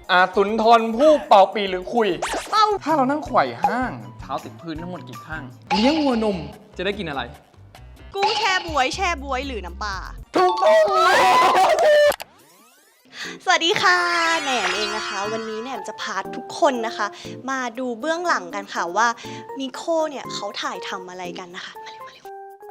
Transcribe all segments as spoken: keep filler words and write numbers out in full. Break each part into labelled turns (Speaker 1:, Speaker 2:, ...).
Speaker 1: อาสุนทรผู้เป่าปีหรือคุยเป้าถ้าเรานั่งไขว่ห้างเท้าติดพื้นทั้งหมดกี่ข้างเลี้ยงวัวนมจะได้กินอะไร
Speaker 2: กุ้งแช่บวยแช่บวยหรือน้ำปลา
Speaker 1: ถูกต้อง
Speaker 2: สวัสดีค่ะแหนมเองนะคะวันนี้แหนมจะพาทุกคนนะคะมาดูเบื้องหลังกันค่ะว่ามิโคเนี่ยเขาถ่ายทำอะไรกันนะคะมาเร็วมาเร็ว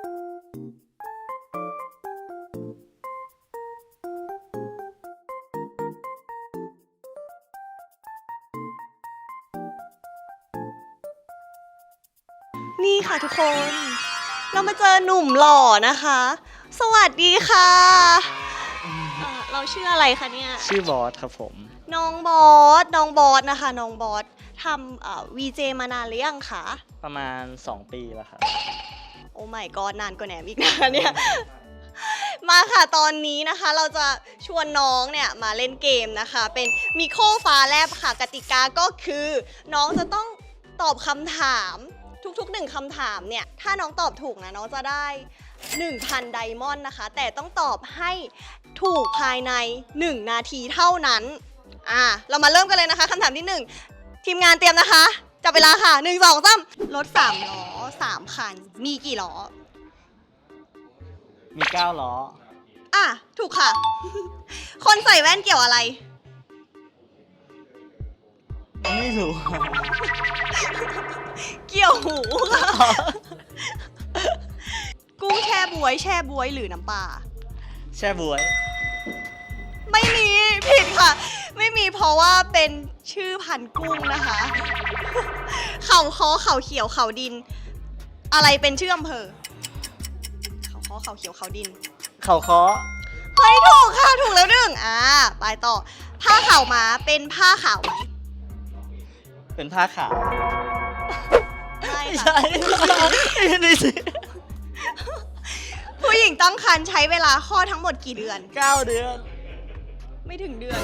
Speaker 2: นี่ค่ะทุกคนเรามาเจอหนุ่มหล่อนะคะสวัสดีค่ะเราชื่ออะไรคะเนี่ย
Speaker 3: ชื่อบอสครับผม
Speaker 2: น้องบอสน้องบอสนะคะน้องบอสทำวีเจมานานหรือยังคะ
Speaker 3: ประมาณสองปีแล้วครับ
Speaker 2: โอ้ไม่ก็นานกว่าแหนมอีกนะเนี่ยมาค่ะตอนนี้นะคะเราจะชวนน้องเนี่ยมาเล่นเกมนะคะเป็นมิโคฟ้าแลบค่ะกติกาก็คือน้องจะต้องตอบคำถามทุกๆหนึ่งคำถามเนี่ยถ้าน้องตอบถูกนะน้องจะได้ หนึ่งพัน ไดมอนด์นะคะแต่ต้องตอบให้ถูกภายในหนึ่งนาทีเท่านั้นอ่าเรามาเริ่มกันเลยนะคะคำถามที่หนึ่งทีมงานเตรียมนะคะจับเวลาค่ะหนึ่ง สอง สามรถสามล้อสามคันมีกี่ล้อ
Speaker 3: มีเก้าล้อ
Speaker 2: อ่ะถูกค่ะ คนใส่แว่นเกี่ยวอะไร
Speaker 3: ไม่รู้
Speaker 2: เกี่ยวหูค่ะกุ้งแช่บวยแช่บวยหรือน้ำปลา
Speaker 3: แช่บวย
Speaker 2: ไม่มีผิดค่ะไม่มีเพราะว่าเป็นชื่อพันธุ์กุ้งนะคะเขาค้อเขาเขียวเขาดินอะไรเป็นชื่ออำเภอเขาค้อเขาเขียวเขาดิน
Speaker 3: เขาค้อ
Speaker 2: เฮ้ยถูกค่ะถูกแล้วหนึ่งอ่าไปต่อผ้าขาวม้าเป็นผ้าขาวไหม
Speaker 3: เป็นผ้าขาว
Speaker 2: ไม่
Speaker 3: ใช่นี่สิ
Speaker 2: ผู้หญิงตั้งครรภ์ใช้เวลาคลอดทั้งหมดกี่เดือน
Speaker 3: เก้าเดือน
Speaker 2: ไม่ถึงเดือน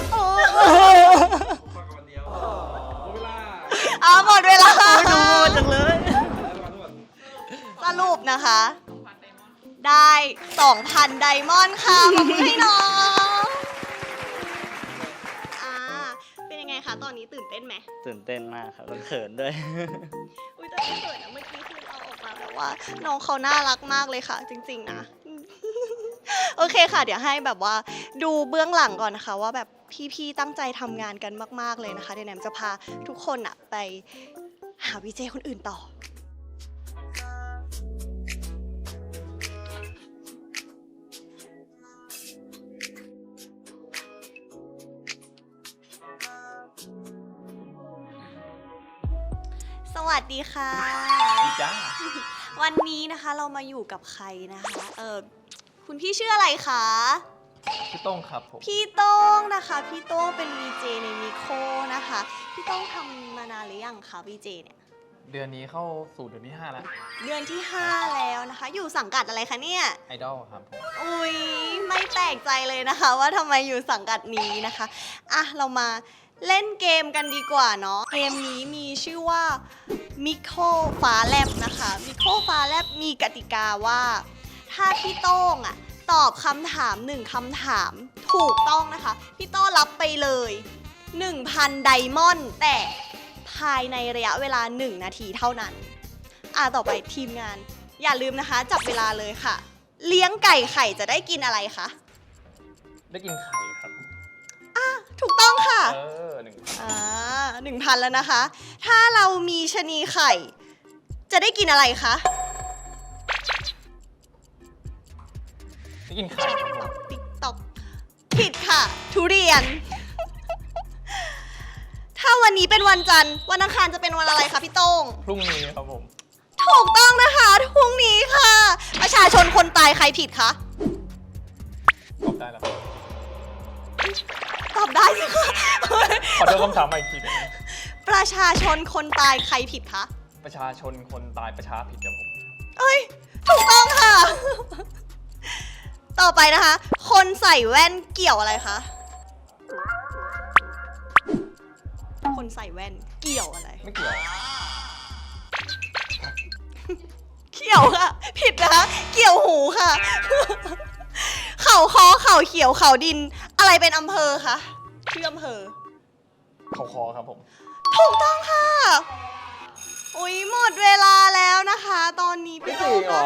Speaker 2: อ่าหมดเวลา
Speaker 3: ไม่ดูจังเลย
Speaker 2: สรุปนะคะได้ สองพัน ไดมอนด์ค่ะขอบคุณให้น้องอ่าเป็นยังไงคะตอนนี้ตื่นเต้นไหม
Speaker 3: ตื่นเต้นมากครับเขินด้วย
Speaker 2: อุ้ยแต่เขินนะเมื่อกี้คือเราออกมาแบบว่าน้องเขาน่ารักมากเลยค่ะจริงๆนะโอเคค่ะเดี๋ยวให้แบบว่าดูเบื้องหลังก่อนนะคะว่าแบบพี่ๆตั้งใจทำงานกันมากๆเลยนะคะเดี๋ยวแหนมจะพาทุกคนอะไปหาวีเจคนอื่นต่อสวัสดีค่ะ
Speaker 1: จ้า
Speaker 2: วันนี้นะคะเรามาอยู่กับใครนะคะเออคุณพี่ชื่ออะไรคะ
Speaker 1: พี่โต้งครับผม
Speaker 2: พี่โต้งนะคะพี่โต้งเป็น วี เจ ในมิโคนะคะพี่โต้งทำมานานหรือยังคะ วี เจ เนี่ย
Speaker 1: เดือนนี้เข้าสู่เดือนที่ห้าแล้ว
Speaker 2: เดือนที่ห้าแล้วนะคะอยู่สังกัดอะไรคะเนี่ย
Speaker 1: ไอดอลครับผม
Speaker 2: อุ้ยไม่แปลกใจเลยนะคะว่าทำไมอยู่สังกัดนี้นะคะอ่ะเรามาเล่นเกมกันดีกว่าเนาะเกมนี้มีชื่อว่ามิโคฟ้าแลบนะคะมิโคฟ้าแลบมีกติกาว่าถ้าพี่โต้งอะตอบคำถามหนึ่งคำถามถูกต้องนะคะพี่โต้รับไปเลย หนึ่งพัน ไดมอนด์แต่ภายในระยะเวลาหนึ่งนาทีเท่านั้นอ่ะต่อไปทีมงานอย่าลืมนะคะจับเวลาเลยค่ะเลี้ยงไก่ไข่จะได้กินอะไรคะ
Speaker 1: ได้กินไข่ครับ
Speaker 2: อ่ะถูกต้องค่ะ
Speaker 1: เออหนึ่ง
Speaker 2: อ่าหนึ่งพันแล้วนะคะถ้าเรามีชะนีไข่จะได้กินอะไรคะ
Speaker 1: ได้กินไข่
Speaker 2: ติ๊กต๊อกผิดค่ะทุเรียนถ้าวันนี้เป็นวันจันทร์วันอังคารจะเป็นวันอะไรคะพี่โต้ง
Speaker 1: พรุ่งนี้ครับผม
Speaker 2: ถูกต้องนะคะพรุ่งนี้ค่ะประชาชนคนตายใครผิดคะ
Speaker 1: ตอบได้แล้ว
Speaker 2: ตอบได้สิคะ
Speaker 1: ขอโทษคำถามใหม่อีกทีนึง
Speaker 2: ประชาชนคนตายใครผิดคะ
Speaker 1: ประชาชนคนตายประชาผิดครับผม
Speaker 2: เอ้ยถูกต้องค่ะต่อไปนะคะคนใส่แว่นเกี่ยวอะไรคะคนใส่แว่นเกี่ยวอะไร
Speaker 1: ไม่เกี่ยว
Speaker 2: เกี่ยวค่ะผิดนะคะเกี่ยวหูค่ะเขาค้อเขาเขียวเขาดินอะไรเป็นอำเภอคะชื่ออำเภอ
Speaker 1: เขาคอครับผม
Speaker 2: ถูกต้องค่ะ อุ๊ย หมดเวลาแล้วนะคะ ตอนนี้พี่
Speaker 1: จริงเหรอ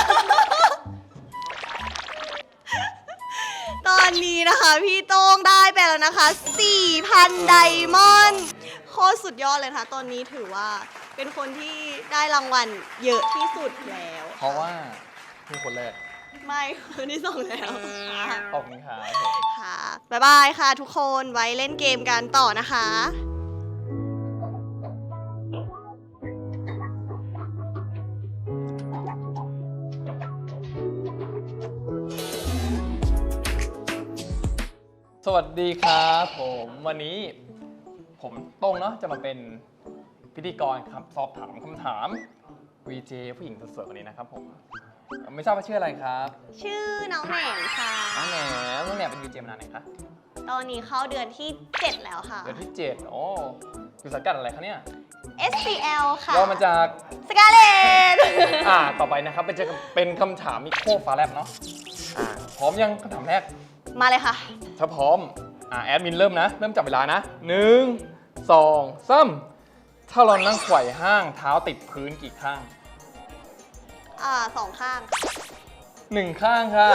Speaker 2: ตอนนี้นะคะ พี่โต้งได้ไปแล้วนะคะ สี่พัน ไดมอนด์โคตรสุดยอดเลยค่ะ ตอนนี้ถือว่าเป็นคนที่ได้รางวัลเยอะที่สุดแล้ว
Speaker 1: เพราะว่าคือคนแรก
Speaker 2: ไม่คนที่สองแล้วค่ะ
Speaker 1: ขอบคุณครับผม
Speaker 2: ค่ะบ๊ายบายค่ะทุกคนไว้เล่นเกมกันต่อนะคะ
Speaker 1: สวัสดีครับผมวันนี้ผมโต้งเนาะจะมาเป็นพิธีกรครับสอบถามคำถาม วี เจ ผู้หญิงสวยๆคนนี้นะครับผมไม่ทราบว่าชื่ออะไรครับ
Speaker 2: ชื่อน้องแหน่งค่ะ
Speaker 1: น้องแหนมน้องแหนมเป็น วี เจ มานานไหนคะ
Speaker 2: ตอนนี้เข้าเดือนที่ เจ็ด แล้วค่ะ
Speaker 1: เดือนที่เจ็ดโอ้อยู่สังกัดอะไรคะเนี่ย
Speaker 2: เอส ซี แอล ค่ะ
Speaker 1: ย่อมาจาก
Speaker 2: สกาเลต
Speaker 1: อ่าต่อไปนะครับเป็นจะเป็นคำถามมิโครฟ้าแลบเนาะอ่าพร้อมยังคำถามแรก
Speaker 2: มาเลยค่ะ
Speaker 1: ถ้าพร้อมอ่าแอดมินเริ่มนะ เริ่มจับเวลานะหนึ่งสองสามถ้าเรานั่งไขว่ห้างเท้าติดพื้นกี่ข้าง
Speaker 2: อ่าสองข้าง
Speaker 1: หนึ่งข้างค่ะ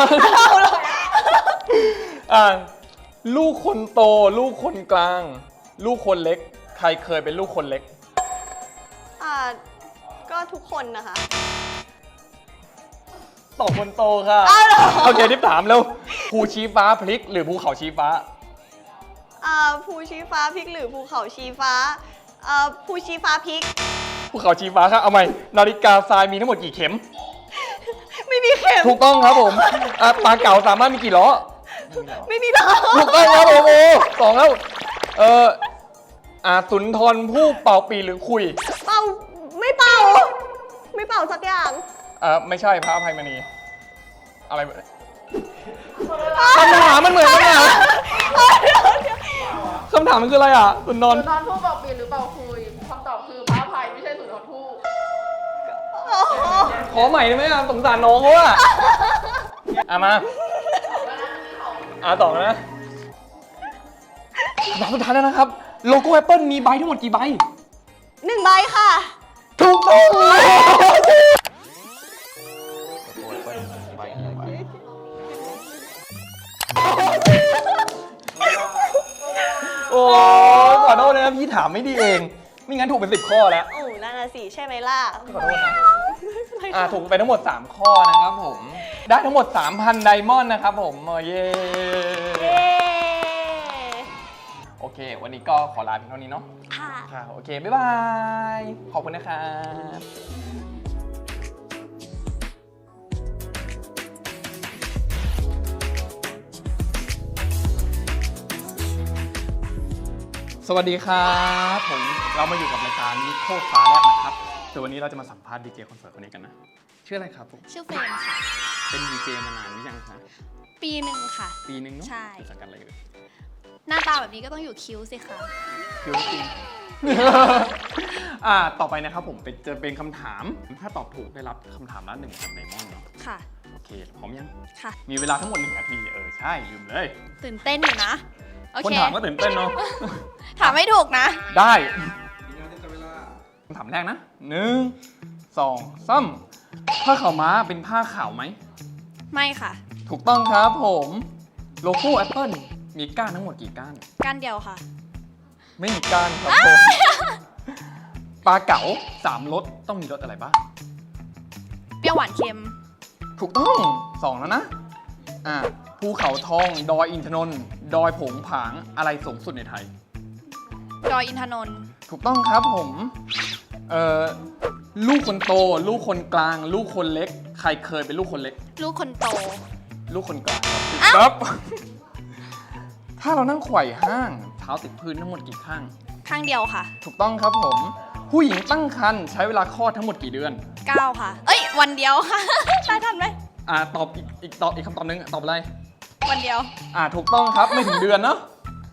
Speaker 1: อ่าลูกคนโต ลูกคนกลาง ลูกคนเล็ก ใครเคยเป็นลูกคนเล็ก
Speaker 2: อ่าก็ทุกคนนะคะ
Speaker 1: ตอบคนโตค่ะ
Speaker 2: อ้าวเหรอ
Speaker 1: โอเคที่ถามแล้วภูชี้ฟ้าพลิกหรือภูเขาชี้ฟ้า
Speaker 2: อ่าภูชีฟ้าพริกหรือภูเขาชีฟ้าอ่าภูชีฟ้าพริก
Speaker 1: ภูเขาชี้ฟ้าค่ะเอาใหม่นาฬิกาทรายมีทั้งหมดกี่เข็ม
Speaker 2: ไม่มีเข็ม
Speaker 1: ถูกต้องครับผมอ่ะปลาเก๋าสามารถมีกี่ล้อ
Speaker 2: ไม่มีดาว
Speaker 1: ถูกต้องครับผมโอ้สองแล้วเอออ่าสุนทรผู้เป่าปีหรือคุย
Speaker 2: เป่าไม่เป่า ไม่เป่าสักอย่าง
Speaker 1: อ่าไม่ใช่พระอภัยมณีอะไรแบบคำถามมันเหมือนกันนะคำถามมันคืออะไรอ่ะสุนทร
Speaker 4: สุนทรภู่เป่าปีหรือเป่าคุยคำตอบคือพระอภัยไม่ใช่สุนทรภู่
Speaker 1: ขอใหม่ได้ไหมอ่ะสงสารน้องเขาอ่ะอ่ะมาอ่ะต่อนะคำถามสุดท้ายแล้วนะครับโลโก้แอปเปิลมีใบทั้งหมดกี่ใบ
Speaker 2: หนึ่งใบค่ะ
Speaker 1: ถูกต้องโอ้ยขอโทษนะครับพี่ถามไม่ดีเอง ไม่งั้นถูกเป็นสิบข้อแล้ว
Speaker 2: โอ้นั่นน่ะสิใช่ไหมล่ะ
Speaker 1: ขอโทษนะอ่าถูกไปทั้งหมด สาม ข้อนะครับผม ได้ทั้งหมด สามพัน ไดมอนด์นะครับผมเออเย้
Speaker 2: เย้
Speaker 1: โอเค วันนี้ก็ขอลาเพียงเท่านี้เนาะ
Speaker 2: ค่ะ
Speaker 1: ค่ะ โอเค บ๊ายบาย ขอบคุณนะครับ สวัสดีครับผมเรามาอยู่กับรายการนิโคฟ้าแลบนะครับแต่วันนี้เราจะมาสัมภาษณ์ดีเจคนสวยคนนี้กันนะ ชื่ออะไรครับผม
Speaker 5: ชื่อเฟรมค่ะ
Speaker 1: เป็นดีเจมานานหรือยังคะ
Speaker 5: ปีหนึ่งค่ะ
Speaker 1: ปีนึงเนาะ
Speaker 5: ใช่
Speaker 1: อยู่สังกัดอะไรเอ่ย
Speaker 5: หน้าตาแบบนี้ก็ต้องอยู่คิ้วสิคะ
Speaker 1: คิวจริง อ่าต่อไปนะครับผมเป็นจะเป็นคำถาม ถ้าตอบถูกได้รับคำถามละหนึ่งพันไดมอนด์เนาะ
Speaker 5: ค่ะ
Speaker 1: โอเคพร้อมยัง
Speaker 5: ค่ะ
Speaker 1: มีเวลาทั้งหมดหนึ่งนาทีเออใช่ลืมเลย
Speaker 5: ตื่นเต้นอยู่นะ โอ
Speaker 1: คน
Speaker 5: เค
Speaker 1: ถามก็ตื่นเต้นเนาะ
Speaker 5: ถามไม่ถูกนะ
Speaker 1: ได้คำถามแรกนะหนึ่งสองสามผ้าขาวม้าเป็นผ้าขาวไหม
Speaker 5: ไม่ค่ะ
Speaker 1: ถูกต้องครับผมโลโก้ Apple มีก้านทั้งหมดกี่ก้าน
Speaker 5: ก้านเดียวค่ะ
Speaker 1: ไม่มีก้านครับผมปลาเก๋าสามรสต้องมีรสอะไรบ้าง
Speaker 5: เปรี้ยวหวานเค็ม
Speaker 1: ถูกต้องสองแล้วนะอ่าภูเขาทอง ดอยอินทนนท์ดอยผงผางอะไรสูงสุดในไทย
Speaker 5: ดอยอินทนนท์
Speaker 1: ถูกต้องครับผมเอ่อลูกคนโต ลูกคนกลาง ลูกคนเล็ก ใครเคยเป็นลูกคนเล็ก
Speaker 5: ลูกคนโต
Speaker 1: ลูกคนกลางครับผิดครับ ถ้าเรานั่งไขว่ห้างเท้าติดพื้นทั้งหมดกี่ข้าง
Speaker 5: ข้างเดียวค่ะ
Speaker 1: ถูกต้องครับผม ผู้หญิงตั้งครรภ์ใช้เวลาคลอดทั้งหมดกี่เดือน
Speaker 5: เก้าค่ะ เอ้ย วันเดียวค่ะ ได้ทันไหม
Speaker 1: อ่าตอบอีกอีกตอบอีกคำตอบหนึงตอบอะไร
Speaker 5: วันเดียว
Speaker 1: อ่าถูกต้องครับไม่ถึงเดือนเนาะ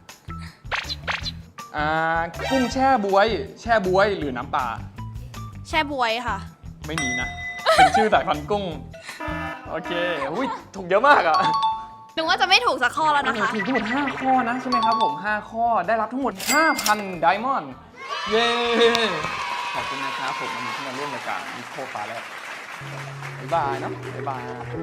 Speaker 1: อ่ากุ้งแช่บวย แช่บวยหรือน้ำปลา
Speaker 5: แช่บวยค่ะ
Speaker 1: ไม่มีนะ เป็นชื่อสายพันธุ์กุ้ง โอเคอุ้ยถูกเยอะมากอะ
Speaker 5: หนูว่าจะไม่ถูกสักข้อแล้วนะคะ
Speaker 1: ถูกทั้งหมดห้าข้อนะใช่ไหมครับผมห้าข้อได้รับทั้งหมด ห้าพัน ไดมอนด์เย้ขอบคุณนะครับผมวันนี้ที่มาร่วมรายการมิโคฟ้าแล้วบ๊ายบายเนาะบ๊ายบาย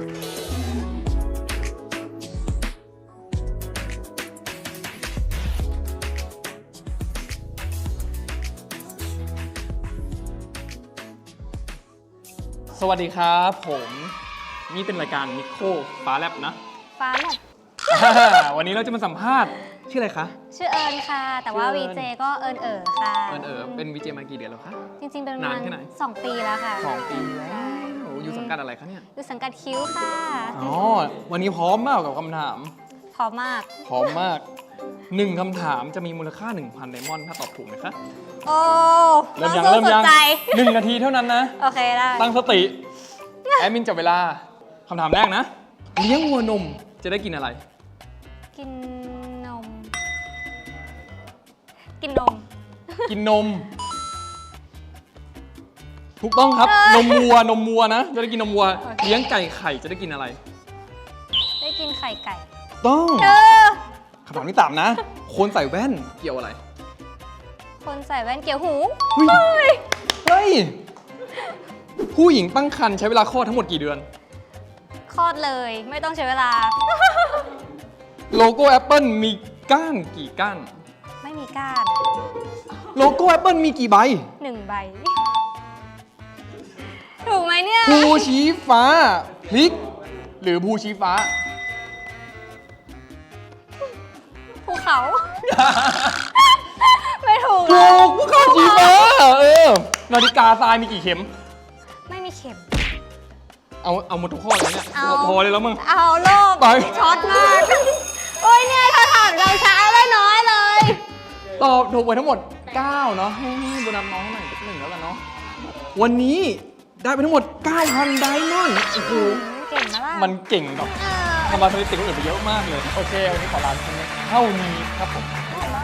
Speaker 1: สวัสดีครับผมนี่เป็นรายการมิโคฟ้าแลบนะ
Speaker 6: ฟ้าแลบ
Speaker 1: วันนี้เราจะมาสัมภาษณ์ชื่ออะไรคะ
Speaker 6: ชื่อเอิญค่ะ แต่ว่า
Speaker 1: ชื่อเอิ
Speaker 6: วี
Speaker 1: ญ
Speaker 6: เจก็เอิญเอ๋อค่ะ
Speaker 1: เอิญเอ๋อเป็นวีเจมากี่เดือนแล้วคะ
Speaker 6: จริงๆ เป็นประ
Speaker 1: นาน
Speaker 6: มาณ
Speaker 1: แค่ไหน
Speaker 6: สองปีแล้วค่ะ
Speaker 1: สองปีแล้วอยู่สังกัดอะไรคะเนี่ย
Speaker 6: อยู่สังกัดคิ้วค่ะ
Speaker 1: อ๋อวันนี้พร้อมมากกับคำถาม
Speaker 6: พร้อมมาก
Speaker 1: พร้อมมากหนึ่งคำถามจะมีมูลค่า หนึ่งพัน ไดมอนด์ถ้าตอบถูกนะคะ
Speaker 6: โอ้
Speaker 1: เริ่มยัง
Speaker 6: สู้
Speaker 1: เริ่ม
Speaker 6: สุ
Speaker 1: ยั
Speaker 6: ด
Speaker 1: ง
Speaker 6: ใจ
Speaker 1: หนึ่งนาทีเท่านั้นนะ
Speaker 6: โอเคได้
Speaker 1: ตั้งสติแอดมินจับเวลาคำถามแรกนะ เลี้ยงวัวนมจะได้กินอะไร
Speaker 6: กินนม กินนม
Speaker 1: กินนม ถูกต้องครับ นมวัวนมวัวนะ จะได้กินนมวัว
Speaker 6: โอเค
Speaker 1: เลี้ยงไก่ไข่จะได้กินอะไร
Speaker 6: ได้กินไข่ไก่
Speaker 1: ต้อง
Speaker 6: เออ
Speaker 1: คำถามที่สามนะ คนใส่แว่นเกี่ยวอะไร
Speaker 6: คนใส่แว่นเกี่ยวหู
Speaker 1: เฮ้ยเฮ้ย ผู้หญิงตั้งครรภ์ใช้เวลาคลอดทั้งหมดกี่เดือน
Speaker 6: คลอดเลย ไม่ต้องใช้เวลา
Speaker 1: โลโก้ Apple มีก้านกี่ก้าน
Speaker 6: ไม่มีก้าน
Speaker 1: โลโก้ Apple มีกี่ใบ
Speaker 6: หนึ่งใบ ถูกไหมเนี่ย
Speaker 1: ภูชี้ฟ้าพลิก หรือภูชี้ฟ้า
Speaker 6: ภูเขา ไม่ถูก
Speaker 1: ถู
Speaker 6: เลย
Speaker 1: กภูเขาชี้ฟ้า เออ นาฬิกาทรายมีกี่เข็ม
Speaker 6: ไม่มีเข็ม
Speaker 1: เอาเอาหมดทุกข้อเลยเนี่ย
Speaker 6: เอา
Speaker 1: พอเลยแล้วมึง
Speaker 6: เอาโลก
Speaker 1: ไป
Speaker 6: ช็อตมาก โอ้ยเนี่ยถ้าถามเราช้าเลยน้อยเลย
Speaker 1: ตอบถูกไปทั้งหมด เก้า เนาะให้ให้โบนัสน้องหน่อยสักหนึ่งแล้วกันเนาะ วันนี้ได้ไปทั้งหมด เก้าพัน ไดมอนด์โอ้โห
Speaker 6: เก่งมาล่ะ
Speaker 1: มันเก่งแบบ
Speaker 6: เออ
Speaker 1: ทำมาสถิติคนอื่นไปเยอะมากเลย โอเค วันนี้ขอลาไปเท่านี้ครับผม
Speaker 6: บ๊ายบาย